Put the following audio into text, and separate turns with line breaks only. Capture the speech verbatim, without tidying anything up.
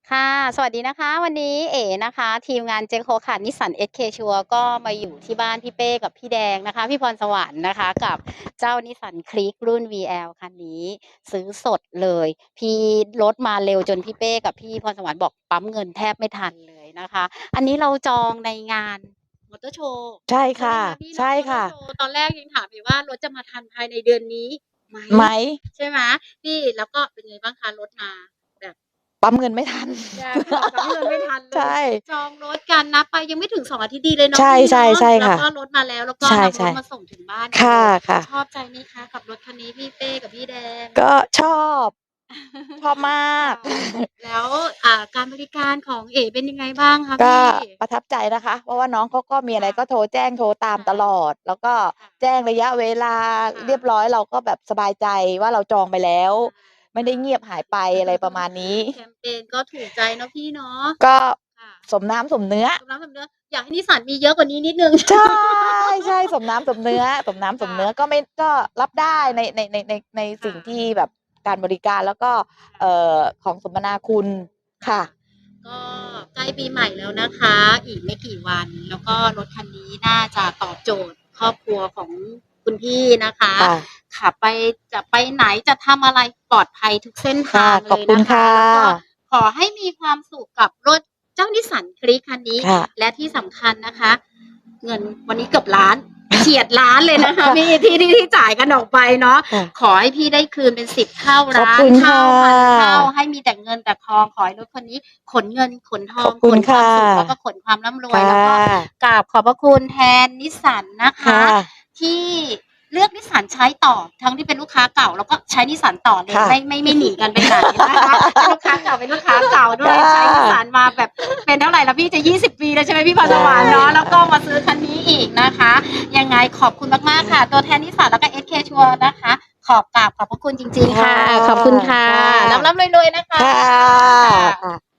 ค่ะ สวัสดีนะคะ วันนี้เอ๋นะคะ ทีมงาน J-Co ค่ะ Nissan เอส เค Sure ก็มาอยู่ที่บ้านพี่เป้กับพี่แดงนะคะ พี่พรสวรรค์นะคะ กับเจ้า Nissan Kicks รุ่น วี แอล คันนี้ซื้อสดเลย พี่รถมาเร็วจนพี่เป้กับพี่พรสวรรค์บอกปั๊มเงินแทบไม่ทันเลยนะคะ อันนี้เราจองในงานมอเตอร์โชว์
ใช่
ใช่ไห
ค
ม่
ะ
คะพี่
ใช่
เนาะ มอเต
ค
อ่ร์
ะ
โชว์ ตอนแรกยังถามอยู่ว่ารถจะมาทันภายในเดือนนี้ไหม
ไหม?
ใช่ไหม พี่ แล้วก็เป็นไงบ้างคะรถมาแบบ
ปั๊มเงินไม่ทัน
ยังค่ะ ปั๊มเงินไม่ทันเล
ใช
ย
่
จองรถกันนับไปยังไม่ถึง สอง อาทิตย์ดีเลยเนา
ใ
ะพี่เนาะ
ช่ ๆ ๆ
แล้ว
ค่ะ
ก็รถมาแล้ว แล้วก็
ใช
นำร่ถมาส่งถึงบ้าน
ๆ
ก
คั
นเลย
่ะ ๆ
ชอบใจไหมคะกับรถคันนี้พี่เป้กับพี่แดง?
ก็ชอบ ชอบมาก
ค่ะ แล้ว อ่า การบริการของเอ๋เป็นยังไงบ้างคะ
ก
พ็ี่?
ประทับใจนะคะ เพราะว่าน้องเขาก็มี
ค
อะไร
่ะ
ก็โทรแจ้ง โทรตาม
ค่ะ
ตลอด แล้วก็
ค่ะ
แจ้งระยะเวลา
ค่
เรียบ
ะ
ร้อย เราก็แบบสบายใจว่าเราจองไปแล้ว
ใ
ไม่
ช่
ได้เงียบหายไป อะไรประมาณนี้
แคมเพนก็ถูกใจเนาะพี่เนาะ
ก็
ค่ะ
สมน้ำสมเนื้อ
สมน้ำสมเนื้อ อยากให้ Nissan มีเยอะกว่านี้นิดหนึ่ง
ใช่ ๆ สมน้ำสมเนื้อ สมน้ำ
ค
ส่ม
ะ
เนื้อ ก็ไม่ ก็รับ
ค
ได่้
ะ
ใน ใน ใน ใน ใน
ค
สิ่่ง
ะ
ที่แบบการบริการ แล้วก็
ค่
เอ่
ะ
อ ของสมนาคุณ
ค
ค่่
ะ
ะ
ก็ใกล้ปีใหม่แล้วนะคะ อีกไม่กี่วัน แล้วก็รถคันนี้น่าจะตอบโจทย์ครอบครัวของคุณพี่นะคะ
ค่ะ
ขับไป จะไปไหน จะทำอะไรปลอดภัยทุกเส้นท
ค่ะ
าง
ข
เลยนะค
อบคุณค่
ะ แล้วก็
ะ
ขอให้มีความสุขกับรถเจ้า Nissan Kicks คันนี้
ค่ะ
และที่สำคัญนะคะ เงินวันนี้เกือบ ล้าน เฉียด ล้าน เลยนะคะพี่ ที่ ที่ ที่จ่ายกันออกไปเนาะ
ค่ะ
ขอให้พี่ได้คืนเป็น สิบ เท่า
ขอบ
ล้า
ค
น
ุณ
เท
ค่
า
่
พัน เท่า
ะ
ให้มีแต่เงินแต่ทอง ขอให้รถคันนี้ขนเงินขนทอง
ขอบคุ
ขนค
ณค
วา
่
ม
ะ
สุข แล้วก็ขนความร่ำรว
ค
ย
่
แล้วก็
ะ
กราบขอบพระคุณแทน Nissan นะค
ค่
ะ
ะ
ที่เลือก Nissan ใช้ต่อ ทั้งที่เป็นลูกค้าเก่า แล้วก็ใช้ Nissan ต่อเล
ค
ย
่ะ
ไม่ ไม่ ไม่หนีกันไปไหนนะคะ เป็นลูกค้าเก่า เป็นลูกค้าเก่าด้
ค
วย
่
ใช้
ะ
Nissan มาแบบเป็นเท่าไรแล้วพี่ จะ ยี่สิบ ปีแล้วใช่ไหมพี่พร
ใช
สวรรค์เนาะ แล้วก็
่
มาซื้อคันนี้อีกนะคะ ยังไงขอบคุณมาก ๆ ค่ะ ตัวแทน Nissan แล้วก็ เอส เค Sure นะคะ ขอกราบขอบพระคุณจริง
ค
ๆ ค่่ะ
ะ
ขอบคุณค่ะ
ค่ะ
ร่ำ ๆ รวย ๆ นะคะ
ค่ะ
ค่ะ
ค่ะ